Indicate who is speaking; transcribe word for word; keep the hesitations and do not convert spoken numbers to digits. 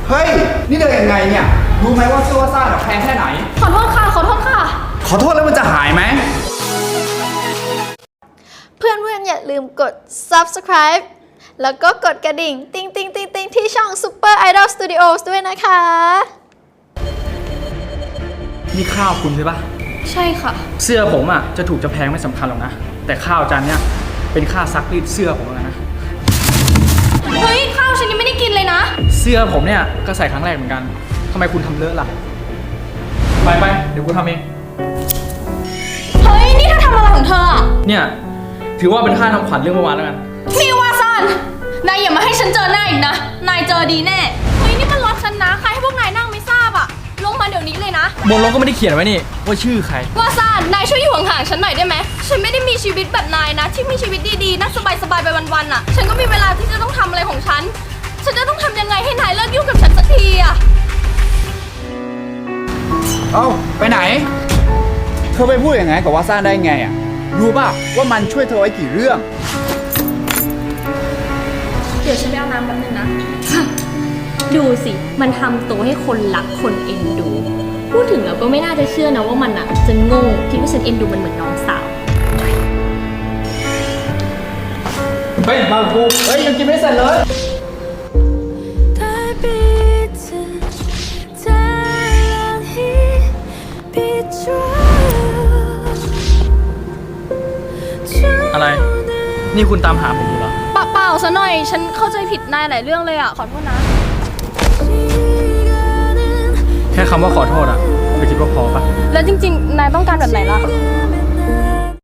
Speaker 1: เฮ้ยนี่เดินยังไงเนี่ยรู้ไหมว่าเสื้อว่าซ่าแพงแค่ไหน
Speaker 2: ขอโทษค่ะขอโทษค่ะ
Speaker 1: ขอโทษแล้วมันจะหายไหม
Speaker 3: เพื่อนๆอย่าลืมกด ซับสไครบ์ แล้วก็กดกระดิ่งติ๊งติ๊งติ๊งติ๊งที่ช่อง ซูเปอร์ ไอดอล สตูดิโอส ด้วยนะคะ
Speaker 4: นี่ข้าวคุณใช่ปะ
Speaker 2: ใช่ค่ะ
Speaker 4: เสื้อผมอ่ะจะถูกจะแพงไม่สำคัญหรอกนะแต่ข้าวจานเนี้ยเป็นค่าซักรีดเสื้อผมแล้วนะ
Speaker 2: เฮ้ยข้าวฉันยังไม่ได้กินเลยนะ
Speaker 4: เสื้อผมเนี่ยก็ใส่ครั้งแรกเหมือนกันทำไมคุณทำเลอะล่ะไปไปเดี๋ยวกูทำเอง
Speaker 2: เฮ้ยนี่เธอทำอะไรของเธออ่ะ
Speaker 4: เนี่ยถือว่าเป็นค่าทำขวัญเรื่องเมื่อวานแล้วกัน
Speaker 2: นี่วาซันนายอย่ามาให้ฉันเจอหน้าอีกนะนายเจอดีแน่เฮ้ยนี่มันรถฉันนะใครให้พวกนายนั่งไม่ทราบอ่ะลงมาเดี๋ยวนี้เลยนะ
Speaker 4: บนรถก็ไม่ได้เขียนไว้นี่ว่าชื่อใคร
Speaker 2: วาซันนายช่วยอยู่ห่างๆฉันหน่อยได้ไหมฉันไม่ได้มีชีวิตแบบนายนะที่มีชีวิตดีๆนั่งสบายๆไปวันๆอ่ะฉันก็มีเวลาที่จะต้องทำอะไรของฉันฉันจะต้องทำยังไงให้นายเลิกยุ่งกับฉันสักทีอ่ะ
Speaker 1: เอ้าไปไหนเธอไปพูดอย่างไงกับว่าซ่าได้ไงอ่ะรู้ป่ะว่ามันช่วยเธอไว้กี่เรื่อง
Speaker 2: เดี๋ยวฉันไปเอาน้ำแป๊บนึงนะดูสิมันทำตัวให้คนรักคนเอ็นดูพูดถึงแล้วก็ไม่น่าจะเชื่อนะว่ามันอ่ะจะโง่คิดว่าฉันเอ็นดูมันเหมือนน้องสาว
Speaker 4: เฮ้ยมากูเฮ้ยยังกินไม่เสร็จเลยอะไรนี่คุณตามหาผมอยู่เหรอ
Speaker 2: เปล่าๆซะหน่อยฉันเข้าใจผิดนายหลายเรื่องเลยอ่ะขอโทษนะ
Speaker 4: แค่คำว่าขอโทษอ่ะไม่คิดว่าพอปะ
Speaker 2: แล้วจริงๆนายต้องการแบบไหนล่ะ